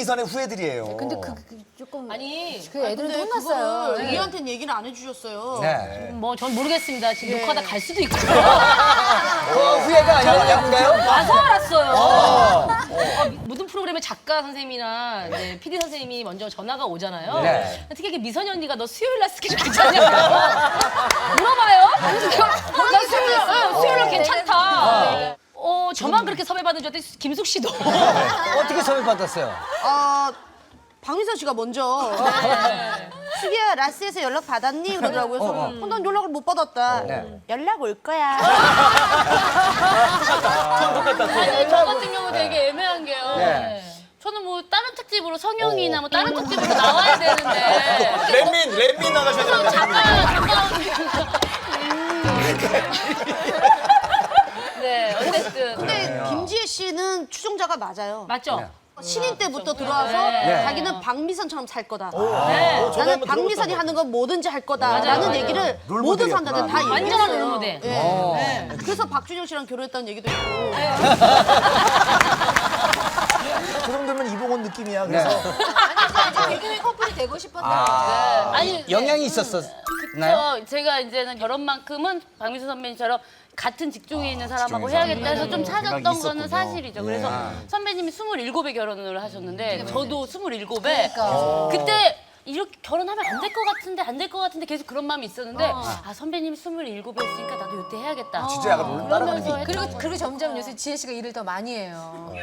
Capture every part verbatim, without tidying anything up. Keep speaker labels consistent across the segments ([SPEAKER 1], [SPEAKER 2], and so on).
[SPEAKER 1] 박미선의 후예들이에요.
[SPEAKER 2] 근데 그, 그 조금
[SPEAKER 3] 아니,
[SPEAKER 2] 그 애들은
[SPEAKER 4] 근데
[SPEAKER 2] 혼났어요.
[SPEAKER 4] 그거를 우리한테는 얘기를 안 해주셨어요.
[SPEAKER 1] 네.
[SPEAKER 3] 뭐 전 모르겠습니다. 지금 녹화하다 갈 수도 있고.
[SPEAKER 1] 그 후예가 아니었나요?
[SPEAKER 3] 와서 알았어요. 어, 모든 프로그램의 작가 선생님이나 이제 피디 선생님이 먼저 전화가 오잖아요.
[SPEAKER 1] 네.
[SPEAKER 3] 특히 이렇게 미선이 언니가 너 수요일 날 스케줄 괜찮냐고 물어봐요. 나 수요일, 응, 수요일 날 괜찮다. 어, 저만 그렇게 섭외받은 줄 알았더니 김숙 씨도.
[SPEAKER 1] 어떻게 섭외 받았어요?
[SPEAKER 4] 어, 박미선 씨가 먼저 수기야 라스에서 연락 받았니? 그러더라고요. 그래서 어, 난 연락을 못 받았다.
[SPEAKER 1] 네.
[SPEAKER 4] 연락 올 거야.
[SPEAKER 3] 아니, 저 같은 경우 되게 애매한 게요.
[SPEAKER 1] 네.
[SPEAKER 3] 저는 뭐 다른 특집으로 성형이나 뭐 다른 특집으로 나와야 되는데.
[SPEAKER 5] 렛민 렛민 나가셔야
[SPEAKER 3] 그럼
[SPEAKER 5] 되는데.
[SPEAKER 3] 잠깐 잠깐. 네, 어쨌든.
[SPEAKER 4] 근데 김지혜 씨는 추종자가 맞아요.
[SPEAKER 3] 맞죠?
[SPEAKER 4] 신인 때부터 들어와서
[SPEAKER 3] 네.
[SPEAKER 4] 자기는 박미선처럼 살 거다.
[SPEAKER 3] 네.
[SPEAKER 4] 나는 박미선이 하는 건 뭐든지 할 거다라는
[SPEAKER 3] 맞아요.
[SPEAKER 4] 얘기를
[SPEAKER 1] 롤
[SPEAKER 4] 모든
[SPEAKER 1] 모델이었구나.
[SPEAKER 4] 사람들한테 다 얘기했어요.
[SPEAKER 3] 완전한 롤모델.
[SPEAKER 4] 예. 네. 그래서 박준영 씨랑 결혼했다는 얘기도 있고.
[SPEAKER 1] 그 정도면 이봉원 느낌이야. 그래서
[SPEAKER 2] 아니, 개그맨 커플이 되고 싶었는데.
[SPEAKER 3] 아니,
[SPEAKER 1] 영향이 있었었나요?
[SPEAKER 3] 저 제가 이제는 결혼만큼은 박미선 선배님처럼 같은 직종에 있는 사람하고 해야겠다 해서 좀 찾았던 거는 사실이죠. 그래서 선배님이 스물일곱에 결혼을 하셨는데 저도 스물일곱에 그때 이렇게 결혼하면 안 될 것 같은데 안 될 것 같은데 계속 그런 마음이 있었는데 아 선배님이 스물일곱에 했으니까 나도 이때 해야겠다.
[SPEAKER 1] 진짜 약간 롤 따라가는 게 있
[SPEAKER 2] 그리고, 그리고 점점 요새 지혜 씨가 일을 더 많이 해요.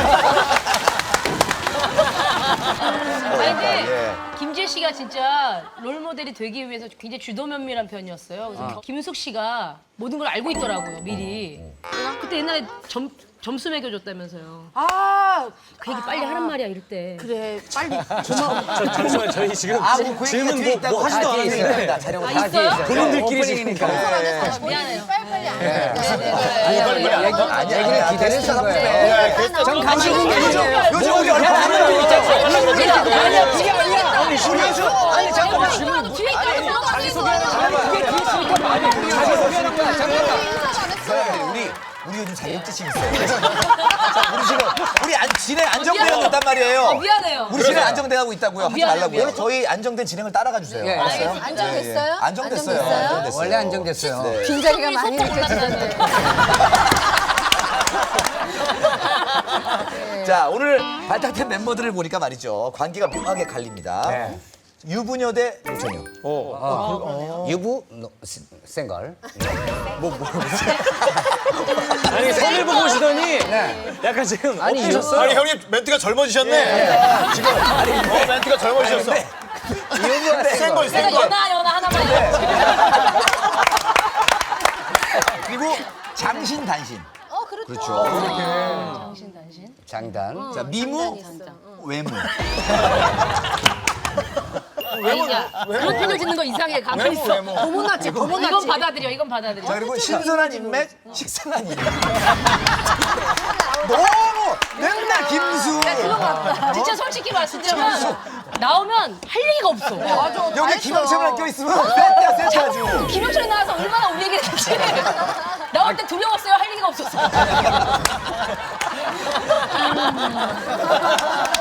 [SPEAKER 3] 아니 근데
[SPEAKER 1] 예.
[SPEAKER 3] 김지혜 씨가 진짜 롤 모델이 되기 위해서 굉장히 주도면밀한 편이었어요. 그래서 김숙 씨가 모든 걸 알고 있더라고요 미리. 그때 옛날에 점 점수 매겨줬다면서요.
[SPEAKER 4] 아,
[SPEAKER 3] 그 얘기 빨리 하란 말이야 이럴 때.
[SPEAKER 4] 그래. 빨리.
[SPEAKER 6] 잠시만 저희 지금
[SPEAKER 1] 아, 뭐그
[SPEAKER 6] 질문
[SPEAKER 1] 얘기가 뒤에
[SPEAKER 6] 뭐,
[SPEAKER 1] 있다고.
[SPEAKER 6] 뭐 하지도
[SPEAKER 1] 다 뒤에
[SPEAKER 6] 않았는데
[SPEAKER 1] 있습니다. 자료가
[SPEAKER 3] 아,
[SPEAKER 1] 다 뒤에
[SPEAKER 3] 있어요?
[SPEAKER 1] 있어요.
[SPEAKER 6] 본인들끼리 지금
[SPEAKER 1] 오프닝이니까.
[SPEAKER 3] 미안해요.
[SPEAKER 2] 빨리빨리 안
[SPEAKER 1] 네.
[SPEAKER 2] 하니까.
[SPEAKER 1] 얘기, 얘기를 기다렸던 거예요. 전 감식인 게 아니에요.
[SPEAKER 5] 요즘 우리 얼마 안
[SPEAKER 1] 하는 게 있잖아요.
[SPEAKER 3] 아니야 그게 아니야.
[SPEAKER 1] 아니, 중요하죠. 아니, 잠깐만.
[SPEAKER 3] 질문 뒤에 있다고 들어갈 수 있어.
[SPEAKER 1] 사람들이 우리 우리 요즘 자격지심 있어요. 자, 우리 지금 우리 안, 진행 안정되어 있단 말이에요.
[SPEAKER 3] 어, 미안해요.
[SPEAKER 1] 우리 진행 안정돼가고 있다고요. 하지
[SPEAKER 3] 미안해요,
[SPEAKER 1] 말라고요.
[SPEAKER 3] 미안해요.
[SPEAKER 1] 저희 안정된 진행을 따라가 주세요.
[SPEAKER 7] 예,
[SPEAKER 1] 알았어요?
[SPEAKER 3] 알겠습니다.
[SPEAKER 2] 안정됐어요?
[SPEAKER 1] 안정됐어요.
[SPEAKER 2] 안정됐어요?
[SPEAKER 1] 안정됐어요.
[SPEAKER 7] 원래 안정됐어요.
[SPEAKER 1] 네.
[SPEAKER 2] 빈자리가 많이
[SPEAKER 3] 속도
[SPEAKER 2] 느껴지는데.
[SPEAKER 1] 자, 오늘 발탁된 멤버들을 보니까 말이죠. 관계가 묘하게 갈립니다.
[SPEAKER 7] 네.
[SPEAKER 1] 유부녀 대 노처녀.
[SPEAKER 7] 유부 노, 시- 생걸.
[SPEAKER 6] 아니 선을 보고 오시더니
[SPEAKER 7] 네.
[SPEAKER 6] 약간 지금
[SPEAKER 7] 아니,
[SPEAKER 6] 어떠셨어요?
[SPEAKER 5] 아니 형님 멘트가 젊어지셨네. 지금 어, 멘트가 젊어지셨어.
[SPEAKER 7] 유부가
[SPEAKER 5] 센
[SPEAKER 7] 생걸.
[SPEAKER 5] 걸, 센
[SPEAKER 3] 내가
[SPEAKER 5] 걸.
[SPEAKER 3] 연하 연하 하나만 해야지.
[SPEAKER 1] 그리고 장신 단신.
[SPEAKER 2] 어, 그렇죠.
[SPEAKER 1] 그렇죠.
[SPEAKER 3] 당신 당신.
[SPEAKER 7] 장단.
[SPEAKER 1] 자, 미무, 외무.
[SPEAKER 3] 아니야. 그런 표정 짓는 거 이상해. 가만히 있어.
[SPEAKER 4] 고모났지,
[SPEAKER 3] 이건
[SPEAKER 4] 고모났지.
[SPEAKER 3] 받아들여. 이건 받아들여.
[SPEAKER 1] 자, 그리고 신선한 인맥, 식상한 인맥. 너무 맨날 김수.
[SPEAKER 3] 진짜 솔직히 말씀드리면 나오면 할 얘기가 없어.
[SPEAKER 4] 맞아.
[SPEAKER 1] 여기 김영철만 껴있으면 쎄때야 쎄때야지.
[SPEAKER 3] 김영철이 나와서 얼마나 우리 얘기를 했지. 나올 때 두려웠어요. 할 얘기가 없어서.